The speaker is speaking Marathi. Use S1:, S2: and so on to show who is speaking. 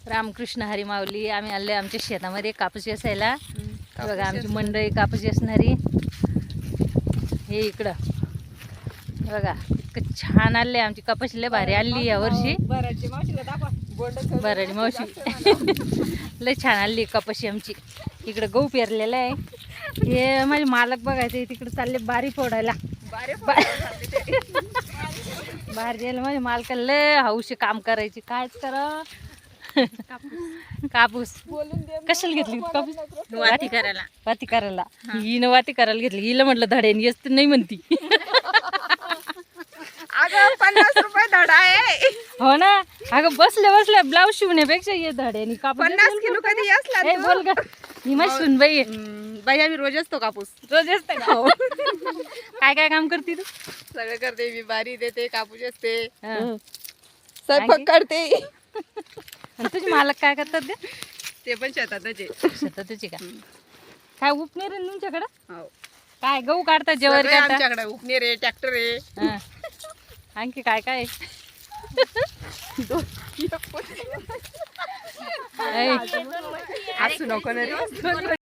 S1: रामकृष्ण हरी माऊली. आम्ही आले आमच्या शेतामध्ये कापूस वेचायला. बघा आमची मंडळी कापूस वेचणारी. हे इकडं बघा इतकं छान आले आमची कापूस. लय भारी आली या वर्षी.
S2: बराची मावशीला दाखवा.
S1: बराडी मावशी लय छान आली कपाशी आमची. इकडं गहू पेरलेला आहे. हे माझे मालक बघायचे तिकडे चालले बारी फोडायला. बाहेर गेलं माझ्या मालकाला लय हौशी काम करायची. कायच करा कापूस कशाला घेतली कापूस?
S2: वाती करायला.
S1: वाती करायला. हिनं वाती करायला घेतली. हिला म्हटलं धड्याने येस तर नाही म्हणती.
S2: अगं 50 रुपये धडा आहे.
S1: हो ना. अगं बसल्या बसल्या ब्लाऊज शिवण्यापेक्षा ये धड्याने कापूस
S2: 50 किलो कधी असला
S1: हे बोल ग. ही माझी सुनबाई आहे.
S2: बाई आम्ही रोज असतो कापूस.
S1: रोज असते का? काय काय काम करते तू?
S2: सगळं करते मी. बारी देते, कापूस असते,
S1: हं.
S2: स्वयंपाक करते.
S1: आणि तुझे मालक काय करतात ग?
S2: ते पण शेतातच आहे.
S1: शेतातची का? काय उपनेर आहे तुमच्याकडं?
S2: हो.
S1: काय गहू काढतात जेवारी
S2: सगळे
S1: काढतात?
S2: आमच्याकडे उपनेर आहे, ट्रॅक्टर आहे.
S1: हं. आणखी काय काय आहे? ऐ,
S2: असू नको ना रे.